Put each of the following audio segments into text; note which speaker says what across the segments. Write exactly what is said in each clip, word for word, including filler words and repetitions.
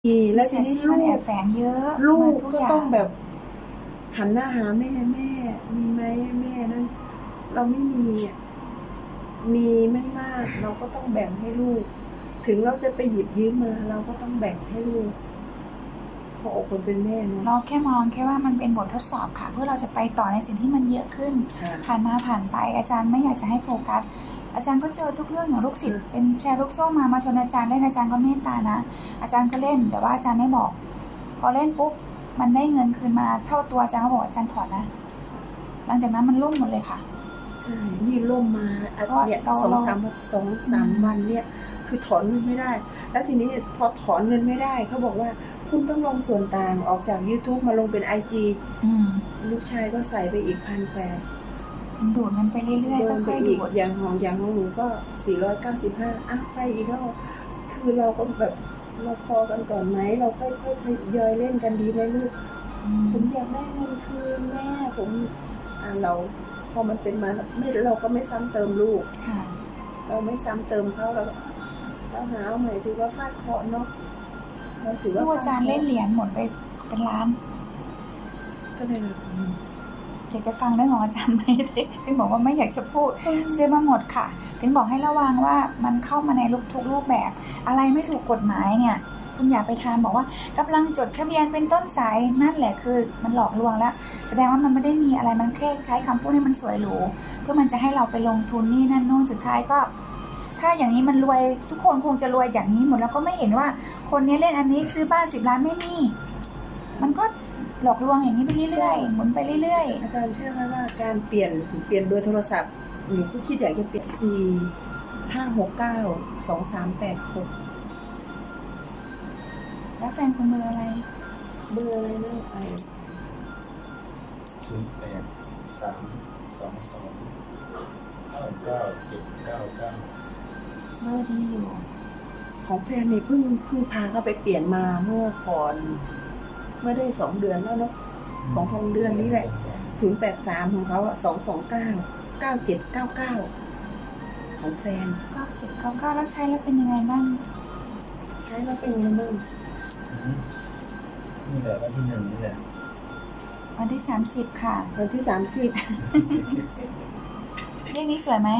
Speaker 1: แล้วทีนี้ลู
Speaker 2: มันแอก
Speaker 1: ก
Speaker 2: บแฝงเยอะ
Speaker 1: ลู
Speaker 2: มาก ทุก
Speaker 1: ก็
Speaker 2: อย่า
Speaker 1: ต้อง งแบบ หันหน้าหาแม่ แม่มีไหม แม่นั่น เราไม่มีอะ มีไม่มาก เราก็ต้องแบ่งให้ลูก ถึงเราจะไปหยิบยืมมา เราก็ต้องแบ่งให้ลูก หัวอกคนเป็นแม่เนาะ
Speaker 2: เราแค่มองแค่ว่ามันเป็นบททดสอบค่ะ เพื่อเราจะไปต่อในสิ่งที่มันเยอะขึ้น
Speaker 1: ค่ะ
Speaker 2: ผ่านมาผ่านไป อาจารย์ไม่อยากจะให้โฟกัส อาจารย์ก็เจอทุกเรื่องอย่างลูกศิษย์เป็นแชร์ลูกโซ่มา มาชวนอาจารย์เล่น อาจารย์ก็เมตตานะ อาจารย์ก็เล่น แต่ว่าอาจารย์ไม่บอก พอเล่นปุ๊บ มันได้เงินคืนมาเท่าตัว อาจารย์ก็บอกอาจารย์ถอนนะ หลังจากนั้นมันล่มหมดเลยค่ะ
Speaker 1: ใช่ นี่ล่มมาอะ
Speaker 2: ก็
Speaker 1: เนี่ย
Speaker 2: เรา
Speaker 1: สอง
Speaker 2: เรา
Speaker 1: สาม สองสาม วันเนี่ย คือถอนเงินไม่ได้ แล้วทีนี้พอถอนเงินไม่ได้ เขาบอกว่าคุณต้องลงส่วนต่างออกจากยูทูบมาลงเป็นไอจี
Speaker 2: อืม
Speaker 1: ลูกชายก็ใส่ไปอีก พันแปด
Speaker 2: มันดูดเงินไปเรื่อย
Speaker 1: โด
Speaker 2: ๆ
Speaker 1: นไป
Speaker 2: ค่อยๆ
Speaker 1: อี
Speaker 2: ดู
Speaker 1: ก
Speaker 2: ด
Speaker 1: อย่างของอย่างของหนูก็ สี่ร้อยเก้าสิบห้า อ้าว ไปอีกแล้ว คือเราก็แบบ เราพอกันก่อนไหม เราค่อยๆ ทยอยเล่นกันดีไหมลูก
Speaker 2: อื
Speaker 1: ผม
Speaker 2: ม
Speaker 1: อยากได้เงินคืนแม่ ผม อ่า เรา พอมันเป็นมา ไม่ เราก็ไม่ซ้ำเติมลูก
Speaker 2: ค่ะ
Speaker 1: เราไม่ซ้ำเติมเขา เราก็ เราหาเอาใหม่ถือว่าฟาดเคราะห์เนาะ เราถือ
Speaker 2: ลู
Speaker 1: ว่าก
Speaker 2: อาจารย์เล่นเหรียญหมดไปเป็นล้าน
Speaker 1: ก็เลยแบบ อืม
Speaker 2: อยากจะฟังเรื่องของอาจารย์ไหม ถึงบอกว่าไม่อยากจะพูด เจอมาหมดค่ะ ถึงบอกให้ระวังว่ามันเข้ามาในรูปทุกรูปแบบ อะไรไม่ถูกกฎหมายเนี่ย คุณอย่าไปทำบอกว่ากำลังจดทะเบียนเป็นต้นสาย นั่นแหละคือมันหลอกลวงแล้ว แสดงว่ามันไม่ได้มีอะไร มันแค่ใช้คำพูดให้มันสวยหรู เพื่อมันจะให้เราไปลงทุนนี่นั่นนู่น สุดท้ายก็ ถ้าอย่างนี้มันรวย ทุกคนคงจะรวยอย่างนี้หมด แล้วก็ไม่เห็นว่าคนนี้เล่นอันนี้ซื้อบ้าน สิบ ล้านไม่มี มันก็หลอกลวงอย่างนี้ไปเรื่อยๆ หมุนไปเรื่อย
Speaker 1: อาจารย์เชื่อไหมว่าการเปลี่ยน เปลี่ยนเบอร์โทรศัพท์ หนูก็คิดอยากจะเปลี่ยน สี่ ห้า หก เก้า สอง สาม แปด หก
Speaker 2: ๆ แล้วแฟนคุณเบอร์อะไร
Speaker 1: เบอร์อะไรนะไอ้
Speaker 3: ศูนย์แปด สาม สอง สอง เก้า เก้า เจ็ด เก้า เก้า
Speaker 2: เบอร์ดีอยู่
Speaker 1: ของแฟนนี่เพิ่ง เพิ่งพาเขาไปเปลี่ยนมาเมื่อก่อน เมื่อได้ สอง เดือนแล้วเนาะ ของของเดือนนี้แหละ ศูนย์แปดสาม ของเขาอะ สอง สอง เก้า เก้า เจ็ด เก้า เก้า ของแฟน
Speaker 2: เก้า เจ็ด เก้า เก้า แล้วใช้แล้วเป็นยังไงบ้าง
Speaker 1: ใช้แล้วเป็นไงบ้าง
Speaker 3: อืมนี่แหละวันที่หนึ่งนี่แหละ
Speaker 2: วันที่ สามสิบ ค่ะ
Speaker 1: วันที่ สามสิบ
Speaker 2: เลขนี้สวยไหม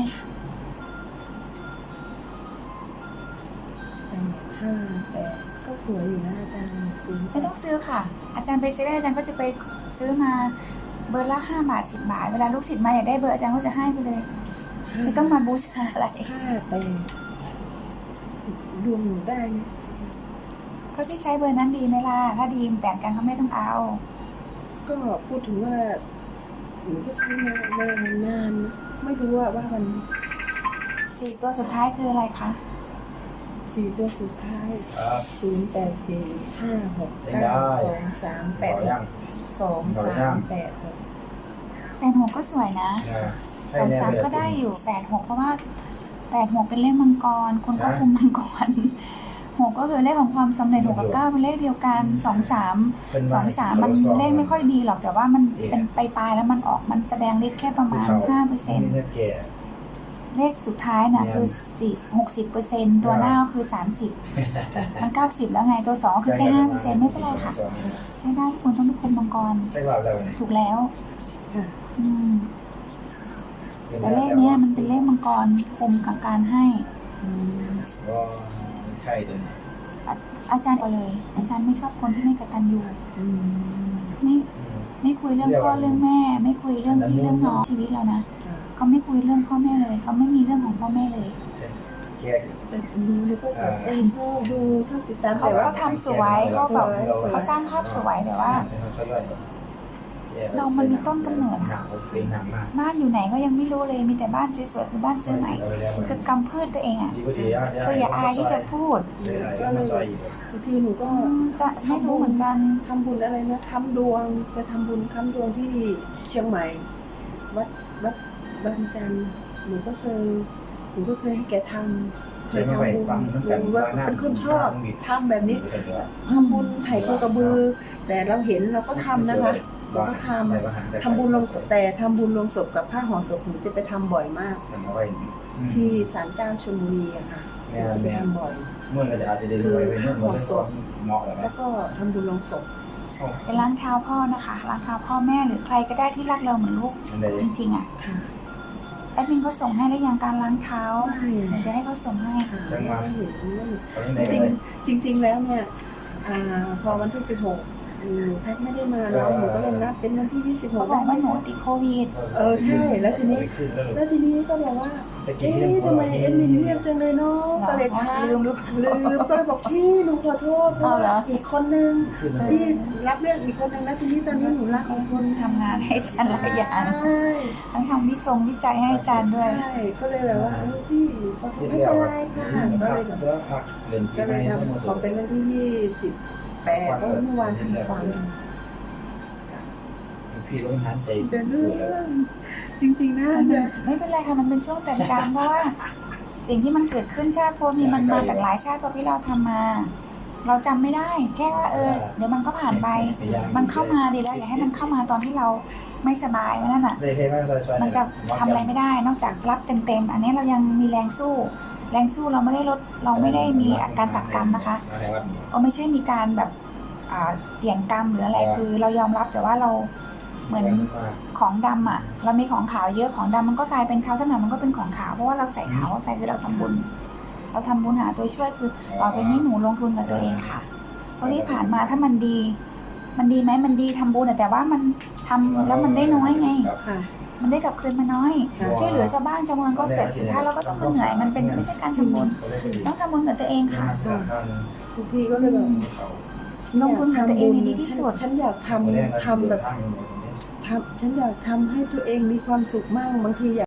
Speaker 1: แปด ห้า แปด ก็สวยอยู่นะอาจารย์ศูนย์
Speaker 2: ไม่ต้องซื้อค่ะ อาจารย์ไปเซเว่นอาจารย์ก็จะไปซื้อมาเบอร์ละห้าบาท สิบ บาท เวลาลูกศิษย์มาอยากได้เบอร์อาจารย์ก็จะให้ไปเลย ไม่ต้องมาบูชาอะไร
Speaker 1: ห้า แปด ดวงหนูได้ไหม
Speaker 2: ก็ที่ใช้เบอร์นั้นดีไหมล่ะ ถ้าดีแบ่งกันก็ไม่ต้องเอา
Speaker 1: ก็พูดถึงว่าหนูก็ใช้มานานนานนะไม่รู้ว่าว่ามัน
Speaker 2: สี่ตัวสุดท้ายคืออะไรคะ
Speaker 1: สี่ตัวสุดท้าย
Speaker 3: ครับ
Speaker 1: ศูนย์แปดสี่ห้าหก
Speaker 3: ได้
Speaker 1: เก้าสองสามแป
Speaker 3: ต่
Speaker 1: ด
Speaker 3: อยัง
Speaker 1: สอง
Speaker 3: ต่อยั
Speaker 1: สาม
Speaker 3: ง
Speaker 1: แปดหก
Speaker 2: แปดหกก็สวยนะ
Speaker 3: นะ
Speaker 2: สองสามก็ได้อยู่แปดหกเพราะว่าแปดหกเป็นเลขมังกร คนก็คุมมังกรหกก็คือเลขของความสำเร็จหกกับเก้าเป็นเลขเดียวกันสองสามสองสามมันเลขไม่ค่อยดีหรอกแต่ว่ามันเป็นไปลายๆแล้วมันออกมันแสดงฤทธิ์แค่ประมาณห้าเปอร์เซ็นต์
Speaker 3: นี่เนี่ยแก่
Speaker 2: เลขสุดท้ายน่ะคือสี่หกสิบเปอร์เซ็นต์ตัวหน้าก็คือสามสิบมันเก้าสิบแล้วไงตัวสองก็คือแค่ห้าเปอร์เซ็นต์ไม่เป็นไรค่ะ ใช้ได้ทุกคนต้องเป็นคนมังกร
Speaker 3: ได้รอบแล้วเนี่ย
Speaker 2: ถูกแล้ว
Speaker 1: ค่ะ
Speaker 2: อืมแต่เลขเนี้ยมันเป็นเลขมังกรคุมกับการให้
Speaker 1: อืม
Speaker 3: ก็ไข่ตัวนี้
Speaker 2: อาอาจารย์เอาเลย อาจารย์ไม่ชอบคนที่ไม่กตัญญู
Speaker 1: อืม
Speaker 2: ไม่
Speaker 3: อืม
Speaker 2: ไม่คุยเรื่องพ่อเรื่องแม่ ไม่คุยเรื่องพี่เรื่องน้องชีวิตเรานะ
Speaker 1: ค่ะ
Speaker 2: เขาไม่คุยเรื่องพ่อแม่เลยเขาไม่มีเรื่องของพ่อแม่เลย
Speaker 3: แก่
Speaker 1: แต่ดูนี่ก็แบบเออชอบดูชอบติดตาม
Speaker 2: เขา
Speaker 1: แต่ว่า
Speaker 2: เขาทำสวยเขาแบบเขาสร้างภาพสวยแต่ว่า เรามันมีต้นกำเนิด
Speaker 3: หนั
Speaker 2: อะ
Speaker 3: กเป็นหนักมาก
Speaker 2: บ้านอยู่ไหนก็ยังไม่รู้เลยมีแต่บ้านสวยๆคือบ้านซื้อใหม่คือกำพืชตัวเองอ่ะ
Speaker 3: ดีก็ดีอ่ะ
Speaker 2: ก็อย่าอายที่จะพูด
Speaker 3: ก็เลยซอยอีก
Speaker 1: บางทีหนูก็
Speaker 2: อืมจะไม่รู้เหมือนกัน
Speaker 1: ทำบุญอะไรนะทำดวงไปทำบุญค้ำดวงที่เชียงใหม่ วัดวัดบางจันทร์หนูก็เคยหนูก็เคยให้แกทำเคยทำบุญหนูว่าเป็นคนชอบทำแบบนี้ทำบุญไถ่โคกระบือ แต่เราเห็นเราก็ทำนะคะเราก็ทำทำบุญลงศพแต่ทำบุญลงศพกับผ้าห่อศพหนูจะไปทำบ่อยมาก ที่ศาลเจ้าชลบุรีอะค่ะ
Speaker 3: เแม่
Speaker 1: จะไป
Speaker 3: แม่
Speaker 1: ทำบ่อย
Speaker 3: เมื่อก็จะอาจจะเดินไปไปเมื่อเมื่อได้ความเหมาะแล้วไหม
Speaker 1: แล้วก็ทำบุญลงศพ
Speaker 2: ไปล้างเท้าพ่อนะคะล้างเท้าพ่อแม่หรือใครก็ได้ที่รักเราเหมือนลูก
Speaker 3: อันใด
Speaker 2: จริงๆอ่ะ
Speaker 1: ค่ะ
Speaker 2: แอดมินเขาส่งให้แล้วยังการล้างเท้า
Speaker 1: ใช่
Speaker 2: เดี๋ยวจะให้เขาส่งให้
Speaker 1: ค่ะ
Speaker 3: จังหวะ
Speaker 1: ไม่เห็นไม่เห็น
Speaker 3: เอาจังใด
Speaker 1: จ
Speaker 3: ก็
Speaker 1: ริง
Speaker 3: ได้
Speaker 1: จริงจริง ๆ แล้วเนี่ยอ่าพอวันที่สิบหกหนูแพทย์ไม่ได้มาแล้วหนูก็เลยนัดเป็นวันที่ยี่สิบห
Speaker 2: เขา
Speaker 1: ก
Speaker 2: บอกว่าหนูติดโควิด
Speaker 1: เออใช่แล้วทีนี้
Speaker 3: ขึ้นแล้ว
Speaker 1: แล้วทีนี้ก็บอกว่า
Speaker 3: ตะกี้
Speaker 1: เอ๊ะทำไมเอ็มมินเงียบจังเลยเนาะก็เลยถาม
Speaker 2: ลืมหรือ
Speaker 1: ลืมก็เลยบอกพี่หนูขอโทษเพราะ
Speaker 2: เอาเหรอ
Speaker 1: ว่าอีกคนนึง
Speaker 3: ขึ้นแล้ว
Speaker 1: พี่รับเรื่องอีกคนนึงแล้วทีนี้ตอนนี้หนูรับอีกคน
Speaker 2: ทำงานให้อาจารย์หลายอย่าง
Speaker 1: ใช่
Speaker 2: ทั้งทำวิจงวิจัยให้อาจารย์ด้วย
Speaker 1: ใช่ก็เลยแบบว่าเออพี่หนูขอโทษไม่เป็นไรค่ะก็เลยแบบ
Speaker 3: แล้วพักเล่นปี
Speaker 1: ก็
Speaker 3: ให
Speaker 1: เล
Speaker 3: ม่
Speaker 1: ย
Speaker 3: ทั้งหมด
Speaker 1: ทำขอเป็นวันที่ยี่สิบแปดก็เมื่อวานทำฟัง
Speaker 3: พี่ต้องหันใจ
Speaker 1: เดินเรื่องจริงๆนะ
Speaker 2: มัน
Speaker 1: เนี่ย
Speaker 2: ไม่เป็นไรค่ะมันเป็นช่วงแต่งกลางเพราะว่าสิ่งที่มันเกิดขึ้นชาติภพนี้มันมาจากหลายชาติภพที่เราทำมา เราจำไม่ได้ แค่ว่าเออเดี๋ยวมันก็ผ่านไป มันเข้ามาดีแล้วอย่าให้มันเข้ามาตอนที่เราไม่สบายนั่นน่ะ
Speaker 3: ได้แค่ไม่ได้ช่วย
Speaker 2: มันจะทำอะไรไม่ได้ นอกจากรับเต็มๆอันนี้เรายังมีแรงสู้ แรงสู้เราไม่ได้ลดเราไม่ได้มีอาการตัดกรรมนะคะก็ไม่ใช่มีการแบบอ่าเปลี่ยนกรรมหรืออะไรคือ เรายอมรับแต่ว่าเราเหมือนของดำอ่ะ เรามีของขาวเยอะของดำมันก็กลายเป็นขาวสักหน่อยมันก็เป็นของขาวเพราะว่าเราใส่ขาวเข้าไปคือเราทำบุญ เราทำบุญหาตัวช่วยคือต่อไปนี้หนูลงทุนกับตัวเองค่ะเพราะที่ผ่านมาถ้ามันดี มันดีไหมมันดีทำบุญแต่ว่ามันทำแล้วมันได้น้อยไง
Speaker 1: ค่ะ
Speaker 2: มันได้กลับคืนมาน้อย
Speaker 1: ค่ะ
Speaker 2: ช่วยเหลือชาวบ้านชาวเมืองก็เสร็จสุดท้ายเราก็ต้องมาเหนื่อยมันเป็นไม่ใช่การทำบุญต้องทำบุญกับตัวเองค่ะ
Speaker 1: ทุกทีก็เลยแบบ
Speaker 2: ลงทุนกับตัวเองให้ดีที่สุด
Speaker 1: ฉันอยากทำทำแบบทำฉันอยากทำให้ตัวเองมีความสุขมากบางทีอยาก